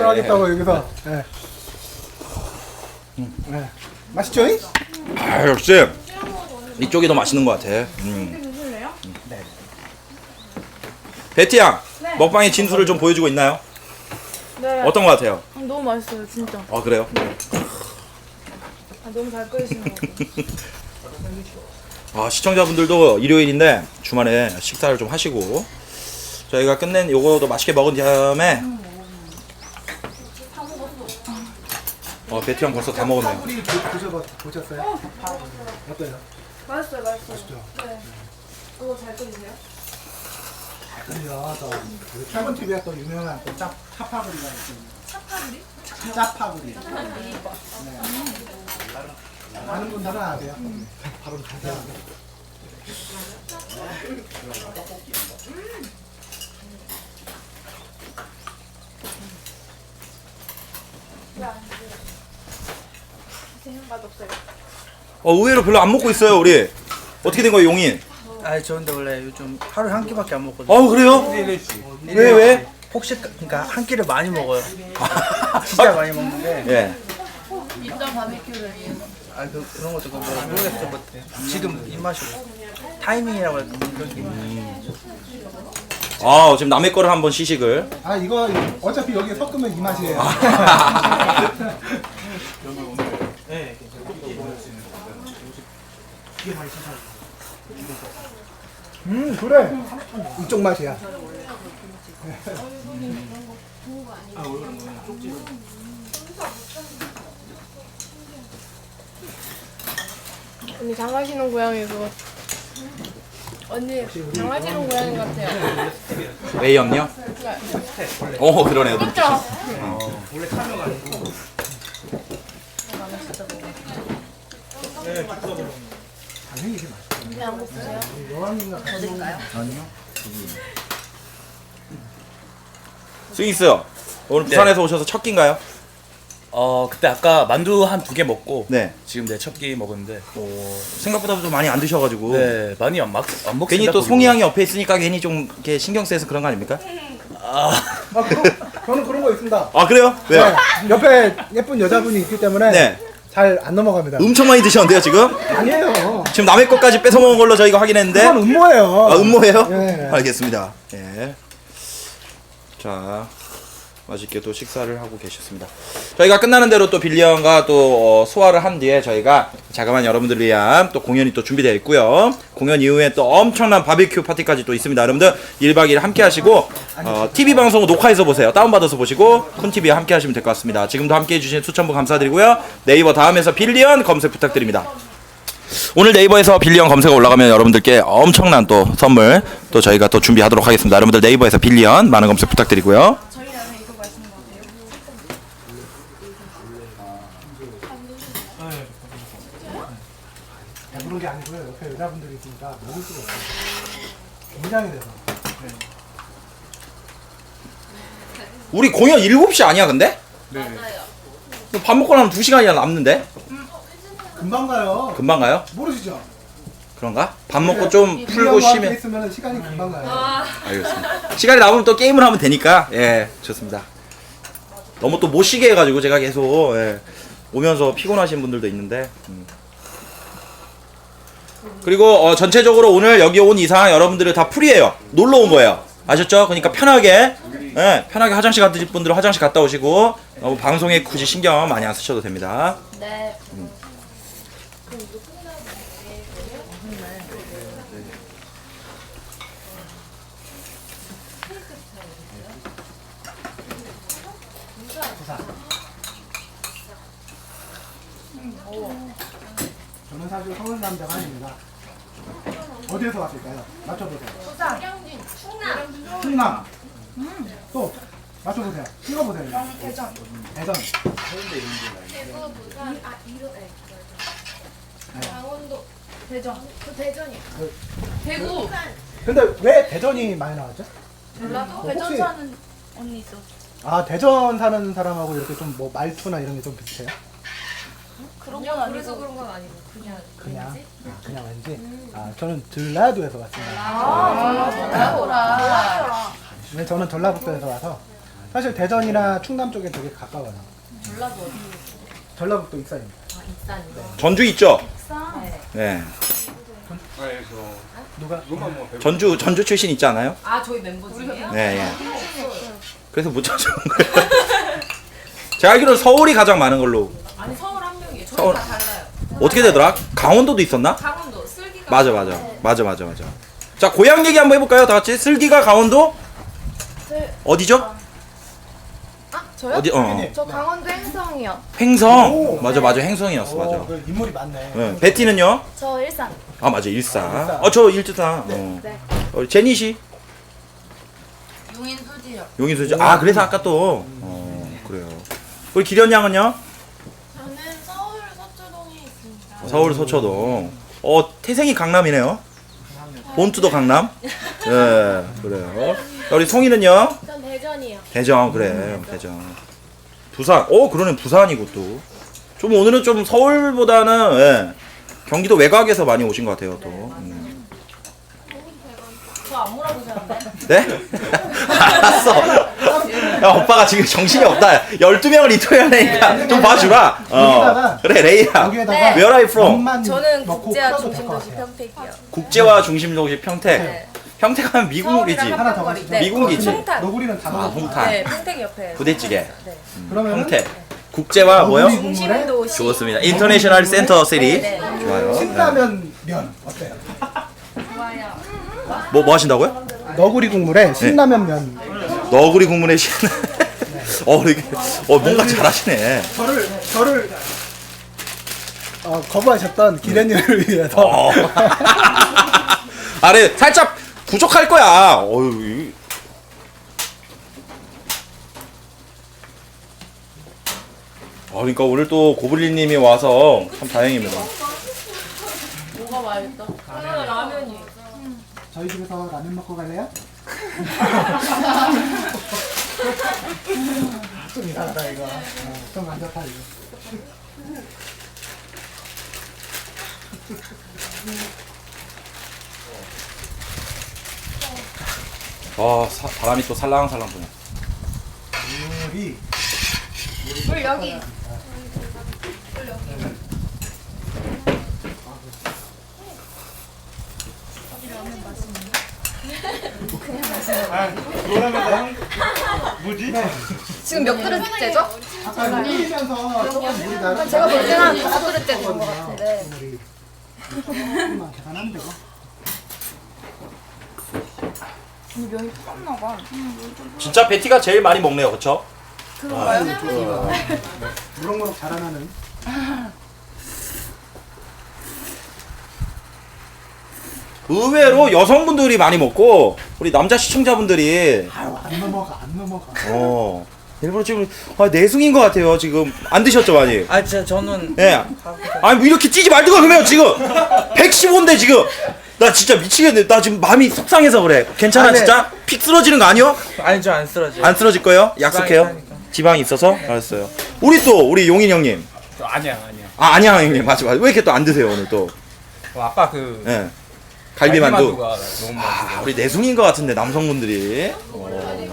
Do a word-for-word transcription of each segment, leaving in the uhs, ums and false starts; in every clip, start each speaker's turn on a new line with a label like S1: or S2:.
S1: 뭘 하겠다고 여기서. 네. 네. 맛있죠?
S2: 아, 역시 이쪽이 더 맛있는 것 같아. 음.
S1: 네.
S2: 베티 양, 먹방의 진수를 좀 보여주고 있나요?
S3: 네.
S2: 어떤 것 같아요?
S3: 아, 너무 맛있어요, 진짜.
S2: 아, 그래요?
S3: 아, 너무 잘 끓이시는 것 같아요.
S2: 아, 시청자분들도 일요일인데 주말에 식사를 좀 하시고 저희가 끝낸 요거도 맛있게 먹은 다음에 어, 베티 형 벌써 다 먹었네요.
S1: 파구리 보셔 보셨어요? 어때요?
S3: 맛있어요, 맛있어요.
S1: 맛있죠?
S3: 네. 그거 잘 끓이세요?
S1: 그래요. 또 우리 철분 티비에 또 유명한 또 짭, 차파구리가 있습니다. 차파구리? 짜파구리. 짜파구리. 네. 많은 분들은 아세요. 음. 바로 가세요.
S3: 맛없어요.
S2: 어, 의외로 별로 안 먹고 있어요, 우리. 어떻게 된 거예요, 용인?
S4: 아, 저 근데 원래 요즘 하루에 한 끼밖에 안 먹거든요.
S2: 어, 그래요? 왜, 왜?
S4: 혹시 그러니까 한 끼를 많이 먹어요. 진짜 많이 먹는데.
S2: 예.
S3: 인정 바비큐를 위해서.
S4: 아, 그 그런 것도 근데 모르겠어. 뭐, 지금 입맛이고 타이밍이라고 할까 그런 게.
S2: 아, 지금 남의 거를 한번 시식을.
S1: 아 이거 어차피 여기 섞으면 이 맛이에요.
S4: 네.
S1: 음 그래. 이쪽 맛이야.
S3: 언니 장하시는 고양이 그거. 언니 장하시는 고양이 같아요.
S2: 웨이형요? 어, 그러네요.
S3: 그렇죠?
S4: 원래 카메가 아니고.
S1: 당연히 이게 맛있어.
S3: 언니 안 먹으세요?
S1: 여왕님과 같이 먹는
S4: 아니요.
S2: 스윙스, 오늘 부산에서 오셔서 첫 끼인가요?
S5: 어 그때 아까 만두 한 두 개 먹고
S2: 네.
S5: 지금 내 첫 끼 먹었는데
S2: 어, 생각보다 좀 많이 안 드셔가지고.
S5: 네 많이 안, 먹, 안 먹습니다.
S2: 괜히 또
S5: 거기서.
S2: 송이 양이 옆에 있으니까 괜히 좀 이렇게 신경 쓰여서 그런 거 아닙니까?
S1: 아 그럼 저는 그런 거 있습니다.
S2: 아, 그래요? 왜요?
S1: 네, 옆에 예쁜 여자분이 있기 때문에
S2: 네.
S1: 잘 안 넘어갑니다.
S2: 엄청 많이 드셨는데요, 지금?
S1: 아니에요.
S2: 지금 남의 것까지 뺏어 먹은 걸로 저희가 확인했는데.
S1: 그건 음모예요.
S2: 아, 음모예요?
S1: 네.
S2: 알겠습니다. 예. 자, 맛있게 또 식사를 하고 계셨습니다. 저희가 끝나는 대로 또 빌리 형과 또 어, 소화를 한 뒤에 저희가 자그마한 여러분들을 위한 또 공연이 또 준비되어 있고요. 공연 이후에 또 엄청난 바비큐 파티까지 또 있습니다. 여러분들 일 박 이 일 함께 하시고 어, 티비 방송 녹화해서 보세요. 다운받아서 보시고 쿤티비에 함께 하시면 될 것 같습니다. 지금도 함께 해주신 수천 분 감사드리고요. 네이버 다음에서 빌리 형 검색 부탁드립니다. 오늘 네이버에서 빌리 형 검색어 올라가면 여러분들께 엄청난 또 선물 또 저희가 또 준비하도록 하겠습니다. 여러분들 네이버에서 빌리 형 많은 검색 부탁드리고요.
S3: 저희 나는 이거 맛있는 것 같아요.
S1: 배부른 게 아니고요. 옆에 여자분들이 있으니까 먹을 수가 없어요. 긴장이 돼서.
S2: 우리 공연 일곱 시 아니야 근데?
S3: 맞아요.
S2: 밥 먹고 나면 두 시간이나 남는데?
S1: 금방 가요.
S2: 금방 가요?
S1: 모르시죠?
S2: 그런가? 밥 먹고 좀 풀고
S1: 빌리 형과 함께
S2: 쉬면
S1: 있으면 시간이 금방 가요.
S2: 알겠습니다. 시간이 남으면 또 게임을 하면 되니까 예 좋습니다. 너무 또 못 쉬게 해가지고 제가 계속 예, 오면서 피곤하신 분들도 있는데 음. 그리고 어, 전체적으로 오늘 여기 온 이상 여러분들이 다 풀이에요. 놀러 온 거예요. 아셨죠? 그러니까 편하게 예, 편하게 화장실 가실 분들은 화장실 갔다 오시고 너무 방송에 굳이 신경 많이 안 쓰셔도 됩니다.
S3: 네.
S1: 저는 사실 서울 남자가 아닙니다. 어디에서 왔을까요? 맞춰보세요. 충남. 또 맞춰보세요. 찍어보세요.
S3: 대전.
S1: 대전.
S3: 대구, 부산, 아 이런 애. 강원도. 대전. 그 대전이요. 대구.
S1: 근데 왜 대전이 많이 나왔죠?
S3: 전라도.
S1: 뭐
S3: 대전
S1: 혹시-
S3: 사는 언니 있어.
S1: 아 대전 사는 사람하고 이렇게 좀 뭐 말투나 이런 게 좀 비슷해요?
S3: 그런 건 아니고. 그래서 그런 건 아니고 그냥.
S1: 그냥 아, 그냥 왠지. 아 저는 전라도에서 왔습니다.
S3: 아, 전라도라.
S1: 네, 저는 전라북도에서 와서 사실 대전이나 충남 쪽에 되게 가까워요.
S6: 전라도 어디?
S1: 전라북도 익산입니다.
S6: 아, 익산이요.
S2: 전주 있죠?
S6: 네.
S2: 네.
S1: 누가?
S2: 전주 전주 출신 있지 않아요?
S6: 아, 저희 멤버 중에.
S2: 네, 예. 그래서 못 찾아온 거예요. 제가 알기로는 서울이 가장 많은 걸로.
S6: 아니, 서울 한 명이에요. 저희
S2: 서울.
S6: 다 달라요.
S2: 어떻게 되더라? 강원도도 있었나?
S6: 강원도 슬기가.
S2: 맞아, 맞아. 맞아, 맞아, 맞아. 자, 고향 얘기 한번 해볼까요? 다 같이. 슬기가 강원도? 어디죠?
S3: 아 저요?
S2: 어디, 어.
S3: 저 강원도 행성이요.
S2: 횡성.
S1: 오.
S2: 맞아, 맞아. 횡성이었어, 맞아.
S1: 오, 그 인물이 많네.
S2: 네. 베티는요?
S3: 저 일산.
S2: 아, 맞아. 일산.
S1: 일산.
S2: 어, 저 일산. 어.
S3: 네.
S2: 어, 제니 씨?
S6: 용인 수지역.
S2: 용인 수지. 아, 그래서 아까 또. 어, 그래요. 우리 기련 양은요?
S6: 저는 서울 서초동에 있습니다.
S2: 서울 서초동. 어, 태생이 강남이네요. 본투도 강남. 예, 그래요. 우리 송이는요?
S3: 전 대전이요.
S2: 대전, 그래. 대전. 부산. 어, 그러네. 부산이고 또. 좀 오늘은 좀 서울보다는 예, 경기도 외곽에서 많이 오신 것 같아요, 또. 음.
S6: 저 안 물어보셨는데?
S2: 네? 알았어. 야, 오빠가 지금 정신이 없다. 열두 명을 인터뷰하니까 좀 봐주라. 어.
S1: 여기다가
S2: 그래, 레이야.
S1: 여기에다가
S3: 네.
S2: Where are you from?
S1: 엄만
S3: 저는
S1: 넣고
S3: 국제화
S1: 풀어도 될것
S3: 중심도시
S1: 같아요.
S3: 평택이요.
S2: 국제화 중심도시 평택.
S3: 네.
S2: 평택 하면 미국이지.
S3: 서울이랑
S1: 하나 더
S3: 한강거리.
S1: 가시죠.
S3: 네.
S2: 미국이지.
S3: 홍탄.
S1: 너구리는 다
S2: 아,
S1: 넣어.
S2: 홍탄.
S3: 네, 평택 옆에.
S2: 부대찌개.
S3: 네.
S1: 그러면
S2: 평택. 국제화 뭐요?
S3: 중심도시.
S2: 좋습니다. 인터내셔널 센터 시리.
S3: 네.
S2: 좋아요. 네.
S1: 신라면 면 어때요?
S2: 뭐, 뭐 하신다고요?
S1: 너구리 국물에 신라면 면.
S2: 너구리 국물에 신. 어, 이게, 어, 뭔가 잘하시네.
S1: 저를 저를 어, 거부하셨던 기련님을 위해서.
S2: 어. 아래 살짝 부족할 거야. 어유. 이- 아, 그러니까 오늘 또 고블린님이 와서 참 다행입니다.
S6: 뭐가 맛있다? 저는 라면이.
S1: 저희 집에서 라면 먹고 갈래요? 좀 이상하다 이거. 어, 좀 안 좋다 이거.
S2: 아, 사, 바람이 또 살랑살랑 부네.
S1: 물이
S3: 물 여기. 지금 몇 그릇째죠?
S1: 아까 끓이면서 조금 물이 나.
S3: 제가 볼 때는 한 다섯 그릇째 된것 같은데.
S1: 물이 조금만 계산하면 되고.
S3: 면이 푹었나 봐.
S2: 진짜 베티가 제일 많이 먹네요, 그쵸?
S3: 그런가요?
S1: 무럭무럭 자라나는.
S2: 의외로 여성분들이 많이 먹고 우리 남자 시청자분들이
S1: 아유 안 넘어가 안 넘어가.
S2: 어 일부러 지금 아, 내숭인 것 같아요. 지금 안 드셨죠 많이?
S4: 아 진짜 저는
S2: 예. 아니 뭐 이렇게 찌지 말든가 그러면 지금 백십오인데 지금 나 진짜 미치겠네. 나 지금 마음이 속상해서 그래. 괜찮아
S4: 아, 네.
S2: 진짜? 픽 쓰러지는 거 아니요?
S4: 아니죠 안 쓰러져.
S2: 안 쓰러질 거예요? 약속해요?
S4: 있다니까.
S2: 지방이 있어서? 알았어요. 우리 또 우리 용인 형님.
S5: 아니야 아니야.
S2: 아 아니야 형님 맞아 맞아. 왜 이렇게 또 안 드세요 오늘 또?
S5: 어, 아까 그
S2: 예. 갈비만두.
S5: 갈비만두가 너무
S2: 아,
S5: 맛있어.
S2: 우리 내숭인 것 같은데 남성분들이. 어.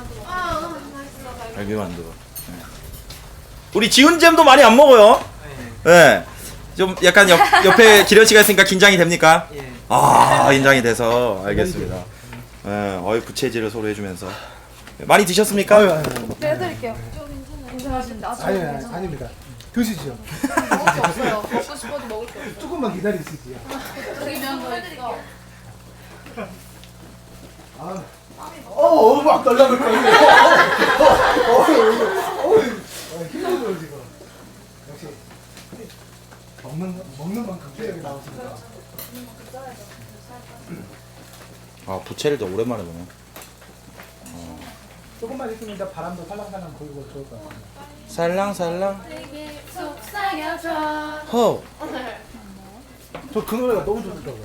S2: 갈비만두. 네. 우리 지훈잼도 많이 안 먹어요. 예. 좀 약간 옆, 옆에 기련 씨가 있으니까 긴장이 됩니까?
S4: 예.
S2: 아 긴장이 돼서 알겠습니다. 예. 어이 부채질을 서로 해주면서 많이 드셨습니까?
S1: 아유 아유
S3: 네, 해드릴게요. 괜찮으신데? 아,
S1: 아유 아유 아닙니다. 드시죠.
S3: 먹을 게 없어요. 먹고 싶어도 먹을 게 없어요.
S1: 조금만 기다리시지요. 아, 어, 막 날라갈 거예요. 어, 어, 어, 어, 힘들어요 지금. 역시 먹는 먹는 만큼 체력이 나오시니까.
S2: 아 부채를 더 오랜만에 보네.
S1: 조금만 있으면 이제 바람도 살랑살랑 불고 좋을 것 같아요.
S2: 살랑살랑.
S3: 속삭여줘.
S2: 허.
S1: 저 그 노래가 너무 좋더라고요.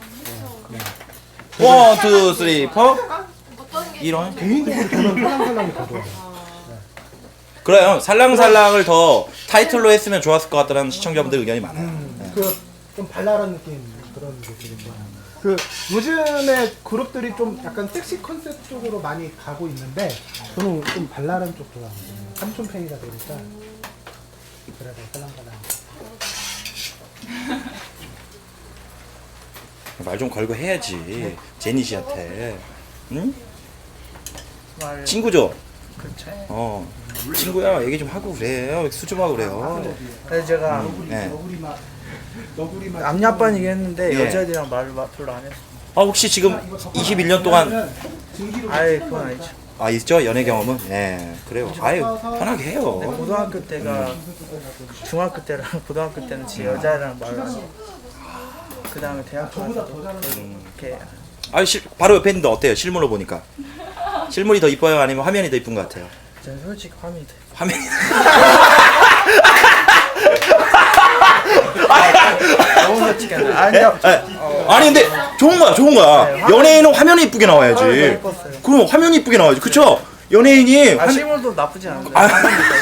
S2: 원, 투, 쓰리, 포. 이런.
S1: 개인적으로 저는 살랑살랑이 더 좋아요.
S2: 그래요. 살랑살랑을 더 타이틀로 했으면 좋았을 것 같다는 시청자분들 의견이 많아요.
S1: 음, 그좀 발랄한 느낌 그런 게 되게 좋아요. 그 요즘에 그룹들이 좀 약간 섹시 컨셉 쪽으로 많이 가고 있는데 저는 좀 발랄한 쪽 좋아하거든요. 삼촌 팬이다 보니까 그래서 살랑살랑.
S2: 말 좀 걸고 해야지. 제니 씨한테. 응?
S4: 말
S2: 친구죠?
S4: 그렇죠.
S2: 어. 친구야, 얘기 좀 하고 그래요. 수줍하고 그래요.
S4: 그래서 제가
S2: 네.
S1: 너구리 맛, 너구리 맛.
S4: 남녀 아빠는 얘기했는데
S2: 예.
S4: 여자애들이랑 말을 마- 별로 안 했어.
S2: 아, 혹시 지금 이십일 년 동안
S4: 아예 그건 아니죠.
S2: 아, 있죠? 연애 경험은? 예. 그래요. 아유, 편하게
S4: 근데
S2: 해요.
S4: 고등학교 때가 중학교 때랑 고등학교 때는 제 여자애랑 말을 안 했어. 그 다음에 대학교 가서도 이렇게
S2: 아, 실, 바로 옆에 있는데 어때요? 실물로 보니까. 실물이 더 이뻐요? 아니면 화면이 더 이쁜 것 같아요?
S4: 저는 솔직히 화면이 돼.
S2: 화면이.
S4: 너무 솔직히 안 돼. 아니요.
S2: 아니, 근데 좋은 거야, 좋은 거야.
S4: 네, 화면-
S2: 연예인은 화면이 이쁘게 나와야지.
S4: 화면이 더 예뻤어요.
S2: 그럼 화면이 이쁘게 나와야지. 그쵸? 연예인이
S4: 아
S2: 화면-
S4: 실물도 나쁘지 않은데.
S2: 아.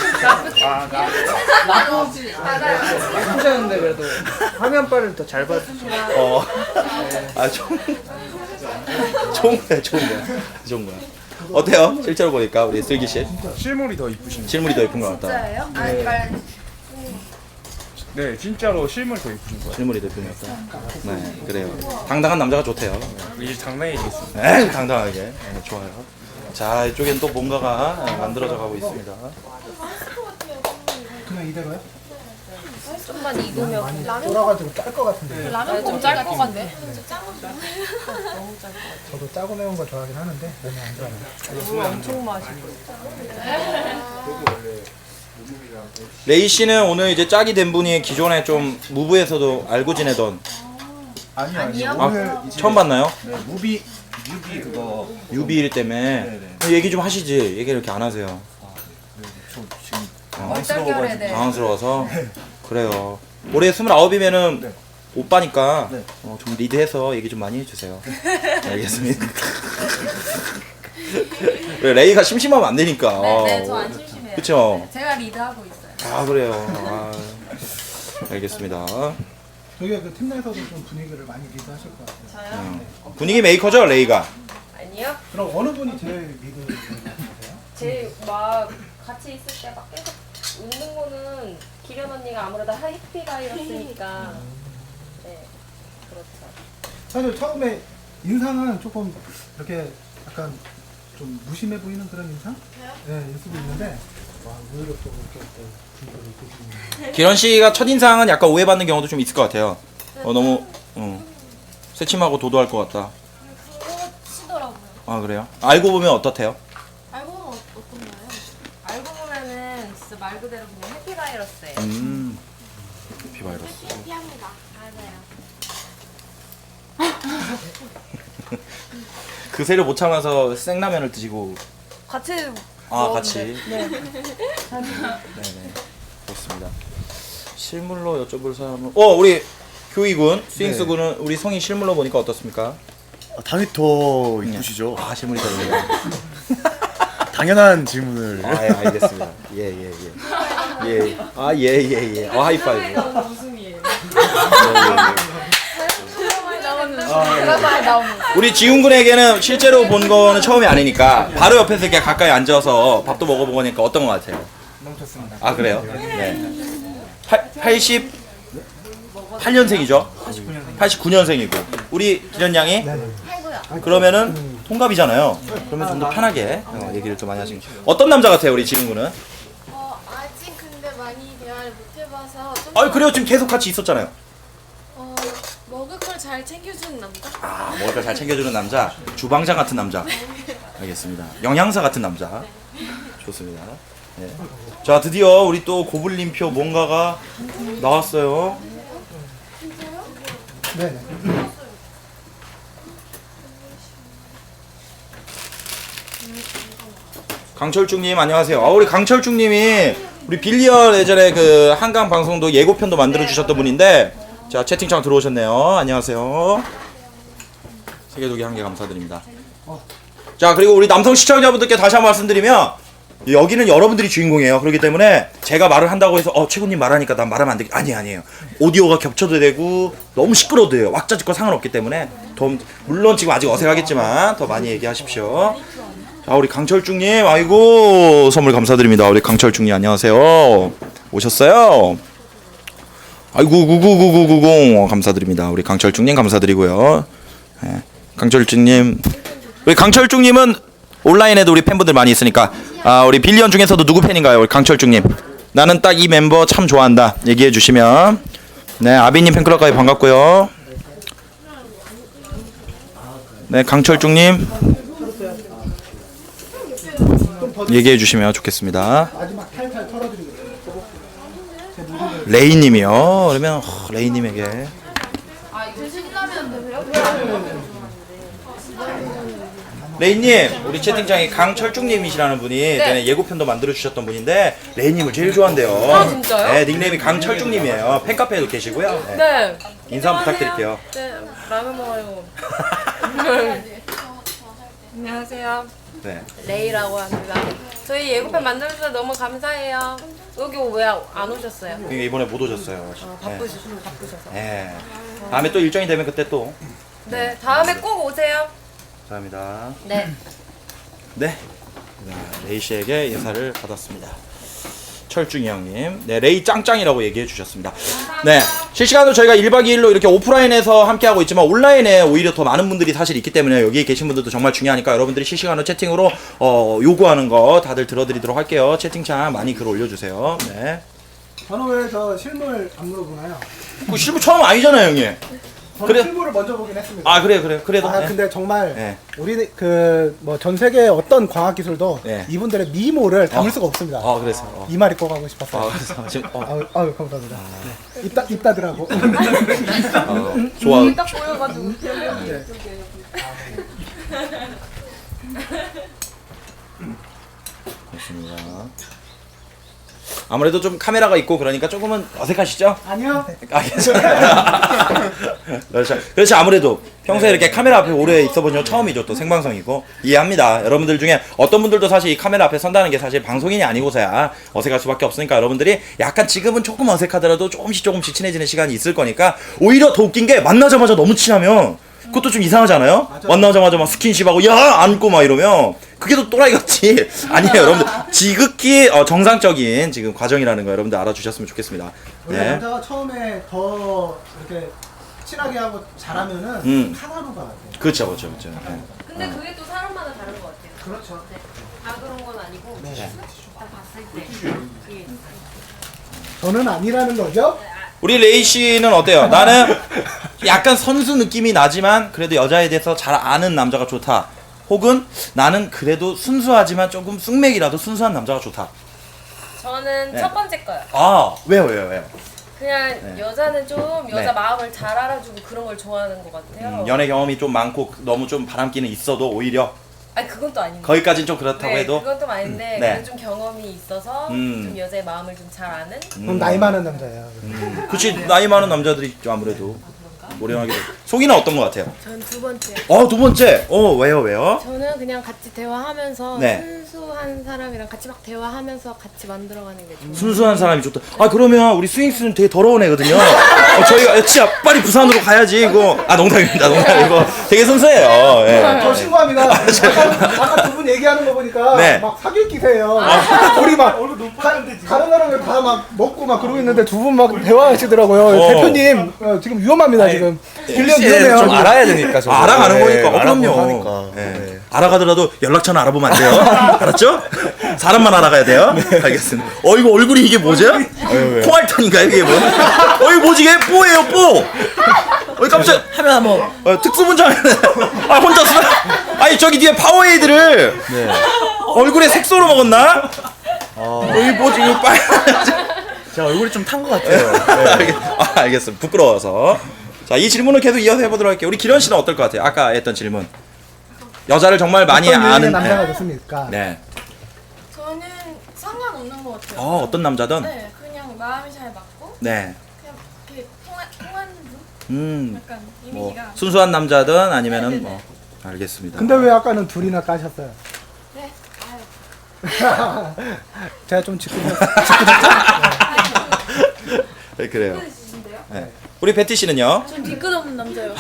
S6: 나쁘지 않아요.
S4: 나쁘지 않은데 그래도 화면빨을 더 잘 봐주죠.
S2: 어. 아, 좋은, 좋은 거야, 좋은 거야. 좋은 거야. 어때요? 실제로 보니까 우리 슬기 씨
S7: 실물이 더 이쁘신 거.
S2: 실물이 더 이쁜 것 같다.
S6: 진짜예요? 아니 말
S7: 네, 진짜로 실물 더 이쁘신 거예요.
S2: 실물이 더 이쁜 것 같다. 네, 그래요. 당당한 남자가 좋대요.
S7: 이제 장난이겠습니다.
S2: 네, 당당하게. 네, 좋아요. 자, 이쪽엔 또 뭔가가 만들어져 가고 있습니다.
S1: 그냥 이대로요?
S6: 좀만 익으면
S1: 많이 쫄아가지고 짤 것 같은데.
S6: 라면 좀 짤 것 같네.
S1: 저도 짜고 매운 거 좋아하긴 하는데 몸에 안 좋아요.
S6: 엄청 맛있어.
S2: 레이 씨는 오늘 이제 짝이 된 분이 기존에 좀 무브에서도 알고 지내던
S7: 아니요, 아니요.
S2: 아,
S7: 오늘 이제
S2: 처음 봤나요?
S7: 네, 무비 뮤비 그거
S2: 유비일 때문에 얘기 좀 하시지. 얘기 이렇게 안 하세요.
S7: 저 지금
S6: 얼떨결에
S7: 당황스러워가지고.
S6: 네.
S2: 당황스러워서 그래요. 올해 스물아홉이면은
S7: 네.
S2: 오빠니까
S7: 네.
S2: 어, 좀 리드해서 얘기 좀 많이 해주세요. 알겠습니다. 그래, 레이가 심심하면 안 되니까.
S6: 네, 네, 저 안 심심해요.
S2: 그쵸?
S6: 네, 제가 리드하고 있어요.
S2: 아, 그래요. 아, 알겠습니다.
S1: 저희가 그 팀 내에서도 좀 분위기를 많이 리드하실 것 같아요.
S6: 저요?
S2: 분위기 메이커죠, 레이가?
S3: 아니요.
S1: 그럼 어느 분이 제일 리드 같으세요?
S3: 제 막 같이 있을 때 막 계속 웃는 거는 기련 언니가 아무래도 해피바이러스니까. 네, 그렇죠.
S1: 사실 처음에 인상은 조금 이렇게 약간 좀 무심해 보이는 그런 인상? 네, 인수도 있는데 와, 의외로 또 이렇게 또 분위기를 이끌시는.
S2: 기런 씨가 첫인상은 약간 오해받는 경우도 좀 있을 것 같아요. 어, 너무, 어, 새침하고 도도할 것 같다.
S6: 치더라고요.
S2: 아, 그래요? 알고 보면 어떻대요?
S6: 알고 보면 어- 어떤가요?
S3: 알고 보면은 진짜 말 그대로 그냥 해피바이러스예요.
S2: 음, 비바이러스.
S6: 해피합니다. 맞아요.
S2: 그 새를 못 참아서 생라면을 드시고.
S3: 같이
S2: 아, 같이.
S3: 네.
S2: 네네. 그렇습니다. 실물로 여쭤볼 사람은, 어, 우리 교이군, 스윙스 군은 우리 성이 실물로 보니까 어떻습니까?
S8: 아, 당연히 더 이쁘시죠.
S2: 아, 실물이 더 있네요.
S8: 당연한 질문을.
S2: 아, 예, 알겠습니다. 예, 예, 예. 예. 아, 예, 예, 예. 어, 하이파이브.
S3: 웃음이에요.
S6: 그런 말 나오면
S2: 우리 지훈 군에게는 실제로 본 거는 처음이 아니니까 바로 옆에서 이렇게 가까이 앉아서 밥도 먹어보고 하니까 어떤 것 같아요?
S1: 너무 좋습니다.
S2: 아, 그래요? 네. 팔십팔 년생이죠? 팔십구 년생이고 우리 기련 양이 그러면은 동갑이잖아요. 그러면 좀 더 편하게 어, 얘기를 좀 많이 하시는. 어떤 남자 같아요, 우리 지훈 군은?
S6: 어, 아직 근데 많이 대화를 못 해봐서 좀
S2: 아, 그래요. 지금 계속 같이 있었잖아요.
S6: 어, 먹을 걸 잘 챙겨주는 남자?
S2: 아, 먹을 걸 잘 챙겨주는 남자, 주방장 같은 남자. 알겠습니다. 영양사 같은 남자. 좋습니다. 네. 자, 드디어 우리 또 고블린표 뭔가가 나왔어요.
S1: 네네.
S2: 강철중님 안녕하세요. 아, 우리 강철중님이 우리 빌리언 예전에 그 한강 방송도 예고편도 만들어 주셨던 분인데, 자, 채팅창 들어오셨네요. 안녕하세요. 세계도기 한 개 감사드립니다. 자, 그리고 우리 남성 시청자분들께 다시 한번 말씀드리면 여기는 여러분들이 주인공이에요. 그렇기 때문에 제가 말을 한다고 해서 어 최군님 말하니까 난 말하면 안 되겠 아니 아니에요. 오디오가 겹쳐도 되고 너무 시끄러워도 돼요. 왁자지껄 상관없기 때문에 더 물론 지금 아직 어색하겠지만 더 많이 얘기하십시오. 자 우리 강철중님 아이고 선물 감사드립니다. 우리 강철중님 안녕하세요. 오셨어요? 아이고 구구구구구공 감사드립니다. 우리 강철중님 감사드리고요. 네. 강철중님 우리 강철중님은 온라인에도 우리 팬분들 많이 있으니까 아 우리 빌리언 중에서도 누구 팬인가요? 우리 강철중님 나는 딱 이 멤버 참 좋아한다 얘기해 주시면 네 아비님 팬클럽까지 반갑고요. 네 강철중님 얘기해 주시면 좋겠습니다.
S1: 마지막 탈탈 털어드리고.
S2: 레이님이요. 그러면 어, 레이님에게 레이님 우리 채팅창에 강철중님이시라는 분이 네. 예고편도 만들어 주셨던 분인데 레이님을 제일 좋아한대요.
S3: 아, 진짜요?
S2: 네 닉네임이 강철중님이에요. 팬카페에도 계시고요. 네.
S3: 네.
S2: 인사 한번 부탁드릴게요.
S3: 네, 라면 먹어요. 안녕하세요.
S2: 네.
S3: 레이라고 합니다. 저희 예고편 만들어주셔서 너무 감사해요. 여기 왜 안 오셨어요?
S2: 그러니까 이번에 못 오셨어요.
S3: 어, 바쁘셔서 바쁘셔서.
S2: 네. 다음에 또 일정이 되면 그때 또
S3: 네, 다음에 꼭 오세요.
S2: 감사합니다.
S3: 네.
S2: 네. 레이 씨에게 인사를 받았습니다. 철중이 형님. 네, 레이 짱짱이라고 얘기해 주셨습니다. 네. 실시간으로 저희가 일 박 이 일로 이렇게 오프라인에서 함께하고 있지만 온라인에 오히려 더 많은 분들이 사실 있기 때문에 여기 계신 분들도 정말 중요하니까 여러분들이 실시간으로 채팅으로 어, 요구하는 거 다들 들어드리도록 할게요. 채팅창 많이 글 올려주세요. 네.
S1: 저는 왜 저 실물 안 물어보나요?
S2: 그 실무 처음 아니잖아요, 형님.
S1: 저는
S2: 그래.
S1: 실물을 먼저 보긴 했습니다.
S2: 아, 그래요, 그래요. 그래도.
S1: 아
S2: 네.
S1: 근데 정말
S2: 네.
S1: 우리 그 뭐 전 세계 어떤 과학 기술도
S2: 네.
S1: 이분들의 미모를 담을
S2: 어.
S1: 수가 없습니다.
S2: 아, 그래서. 어.
S1: 이 말이 꼭 하고 싶었어요.
S2: 아, 그래서 지금 어,
S1: 아유, 아유 감사합니다. 네. 입다 입다들하고.
S2: 어, 좋아.
S3: 딱 보여가지고.
S1: 네.
S2: 좋습니다. 아무래도 좀 카메라가 있고 그러니까 조금은 어색하시죠?
S1: 아니요.
S2: 아, 괜찮아요. 그렇죠. 그렇죠. 아무래도 평소에 이렇게 카메라 앞에 오래 있어본 적 처음이죠. 또 생방송이고. 이해합니다. 여러분들 중에 어떤 분들도 사실 이 카메라 앞에 선다는 게 사실 방송인이 아니고서야 어색할 수밖에 없으니까 여러분들이 약간 지금은 조금 어색하더라도 조금씩 조금씩 친해지는 시간이 있을 거니까 오히려 더 웃긴 게 만나자마자 너무 친하면 그것도 좀 이상하잖아요?
S1: 맞아.
S2: 만나자마자 막 스킨십하고 야! 안고 막 이러면 그게 더 또라이 같지. 아니에요. 여러분들 지극히 어, 정상적인 지금 과정이라는 거 여러분들 알아주셨으면 좋겠습니다.
S1: 원래
S2: 네.
S1: 남자가 처음에 더 이렇게 친하게 하고 잘하면은
S2: 음.
S1: 카나루가 같아요.
S2: 그렇죠, 그렇죠, 그렇죠. 네.
S3: 근데 그게 또 사람마다 다른 것 같아요.
S1: 그렇죠.
S3: 다 그런 건 아니고
S1: 네.
S3: 딱 봤을 때 그게
S1: 저는 아니라는 거죠?
S2: 우리 레이 씨는 어때요? 나는 약간 선수 느낌이 나지만 그래도 여자에 대해서 잘 아는 남자가 좋다. 혹은 나는 그래도 순수하지만 조금 쑥맥이라도 순수한 남자가 좋다.
S3: 저는
S2: 네.
S3: 첫 번째 거요.
S2: 아, 왜요, 왜요, 왜요?
S3: 그냥
S2: 네.
S3: 여자는 좀 여자
S2: 네.
S3: 마음을 잘 알아주고 그런 걸 좋아하는 것 같아요.
S2: 음, 연애 경험이 좀 많고 너무 좀 바람기는 있어도 오히려
S3: 아니 그건 또 아닌데.
S2: 거기까지는 좀 그렇다고
S3: 네,
S2: 해도
S3: 그건 좀 아닌데
S2: 네.
S3: 그래도 좀 경험이 있어서
S2: 음.
S3: 좀 여자의 마음을 좀 잘 아는.
S1: 그럼 나이 많은 남자예요.
S2: 음, 그치 나이 많은 남자들이 있죠 아무래도 오래하게 돼. 속이는 어떤 것 같아요?
S6: 전 두 번째.
S2: 어, 두 번째. 어, 왜요, 왜요?
S6: 저는 그냥 같이 대화하면서
S2: 네.
S6: 순수한 사람이랑 같이 막 대화하면서 같이 만들어가는 게 좋아요.
S2: 순수한 사람이 좋다. 아, 그러면 우리 스윙스는 되게 더러운 애거든요. 어, 저희가 야, 진짜 빨리 부산으로 가야지 이거. 아, 농담입니다. 농담이고 되게 순수해요. 예.
S1: 저 신고합니다. 아까, 아까 두 분 얘기하는 거 보니까
S2: 네.
S1: 막 사귈 기세예요. 우리 막 다, 다른 사람을 다 막 먹고 막 그러고 있는데 두 분 막 대화하시더라고요.
S2: 어.
S1: 대표님 어, 지금 위험합니다 지금. 빌리언 위험해요.
S8: 좀 알아야 되니까 저도.
S2: 아, 알아가는
S8: 네,
S2: 거니까. 어,
S8: 알아보고
S2: 그럼요.
S8: 하니까.
S2: 예.
S8: 네.
S2: 알아가더라도 연락처는 알아보면 안 돼요. 알았죠? 사람만 알아가야 돼요. 알겠습니다. 어, 이거 얼굴이 이게 뭐죠? 콩알탄인가요, 이게 뭐? 어, 이거 뭐지? 이게 뽀예요, 뽀. 어, 깜짝
S5: 하면 한번
S2: 어, 특수분장. 아, 혼자 쓰 아니, 저기 뒤에 파워에이드를
S8: 네.
S2: 얼굴에 색소로 먹었나? 어, 이게 뭐지? 이거 빨.
S8: 제가 얼굴이 좀 탄 것 같아요.
S2: 알겠, 아, 알겠습니다. 부끄러워서. 자, 이 질문을 계속 이어서 해보도록 할게요. 우리 기련 씨는 어떨 것 같아요? 아까 했던 질문. 여자를 정말 많이
S1: 어떤 유형의
S2: 아는.
S1: 남자가
S2: 네.
S1: 좋습니까?
S2: 네.
S6: 저는 상관없는 것 같아요.
S2: 어, 어떤 남자든.
S6: 네, 그냥 마음이 잘 맞고
S2: 네.
S6: 그냥 이렇게 통한, 통하는 분?
S2: 음.
S6: 약간
S2: 뭐
S6: 이미지가.
S2: 순수한 남자든 아니면은
S6: 네네네.
S2: 뭐 알겠습니다.
S1: 근데 왜 아까는 둘이나 까셨어요?
S6: 네, 아유.
S1: 제가 좀 짚고
S2: 네, 그래요. 네. 우리 베티 씨는요?
S9: 전 뒤끝 없는 남자요.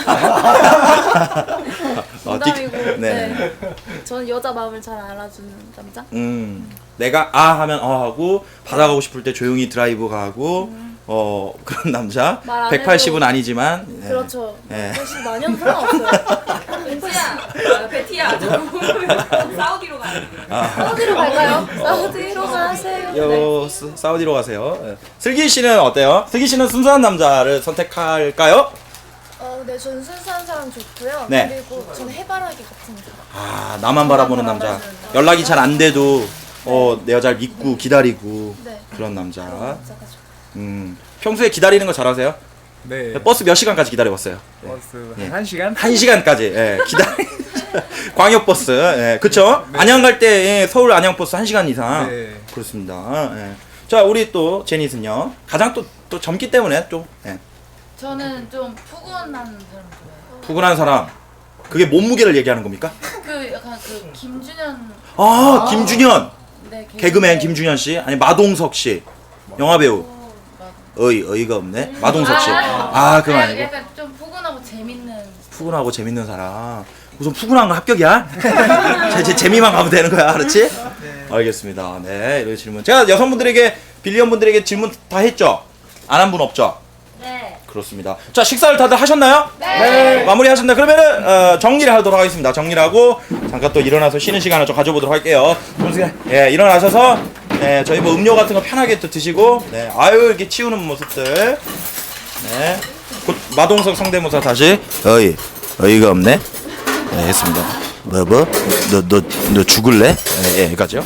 S2: 어, 디-
S9: 농담이고.
S2: 네.
S9: 네. 저는 여자 마음을 잘 알아주는 남자.
S2: 음, 내가 아 하면 어 하고 받아가고 싶을 때 조용히 드라이브 가고 어 그런 남자.
S9: 말안
S2: 백팔십은
S9: 해도-
S2: 아니지만. 네.
S9: 그렇죠.
S2: 네.
S9: 사실 많이 해도 상관없어요.
S3: 베티야, 아, 베티야. 사우디로 가야 돼.
S9: 사우디로 갈까요? 사우디로 가세요.
S2: 요 스- 사우디로 가세요. 네. 슬기 씨는 어때요? 슬기 씨는 순수한 남자를 선택할까요?
S6: 어, 네, 저는 순수한 사람 좋고요.
S2: 네.
S6: 그리고 저는 해바라기 같은 사람.
S2: 아 나만 바라보는 남자. 연락이 잘 안 돼도 어 내 여자를 믿고 기다리고
S6: 네.
S2: 그런 남자.
S6: 남자가 좋아요.
S2: 음 평소에 기다리는 거 잘하세요?
S7: 네.
S2: 버스 몇 시간까지 기다려봤어요?
S7: 버스
S2: 예.
S7: 한 시간?
S2: 한 시간까지 예, 기다리. 광역버스, 예, 그쵸? 안양 갈 때 서울 안양버스 한 시간 이상.
S7: 네.
S2: 그렇습니다. 예. 자, 우리 또 제닛은요. 가장 또, 또 젊기 때문에 좀 예,
S9: 저는 좀 푸근한 사람 좋아해요.
S2: 푸근한 사람. 그게 몸무게를 얘기하는 겁니까?
S9: 그 약간 그 김준현
S2: 아, 김준현.
S9: 네,
S2: 개그맨 김준현 씨, 아니 마동석 씨, 영화 배우. 어이 어이가 없네. 마동석 씨. 아, 그거 아니고.
S9: 약간 좀 푸근하고 재밌는.
S2: 푸근하고 재밌는 사람. 우선 푸근한 거 합격이야? 제, 제 재미만 가면 되는 거야, 그렇지? 알겠습니다. 네, 이런 질문. 제가 여성분들에게 빌리언 분들에게 질문 다 했죠? 안 한 분 없죠?
S3: 네.
S2: 그렇습니다. 자, 식사를 다들 하셨나요? 네. 마무리 하셨나? 그러면은 어, 정리를 하도록 하겠습니다. 정리를 하고 잠깐 또 일어나서 쉬는 시간을 좀 가져보도록 할게요. 예, 일어나셔서 네, 저희 뭐 음료 같은 거 편하게 또 드시고, 네, 아유 이렇게 치우는 모습들. 네, 곧 마동석 성대모사 다시. 어이, 어이가 없네. 네, 했습니다. 뭐 뭐? 너 너 너 죽을래? 예, 예, 여기까지요.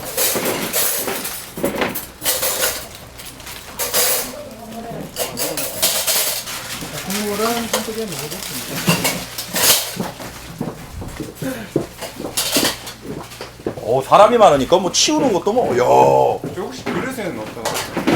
S1: 국물은 한쪽에 넣어줬습니다.
S2: 어, 사람이 많으니까 뭐 치우는 것도 뭐, 야.
S7: 혹시 그릇에는 어떤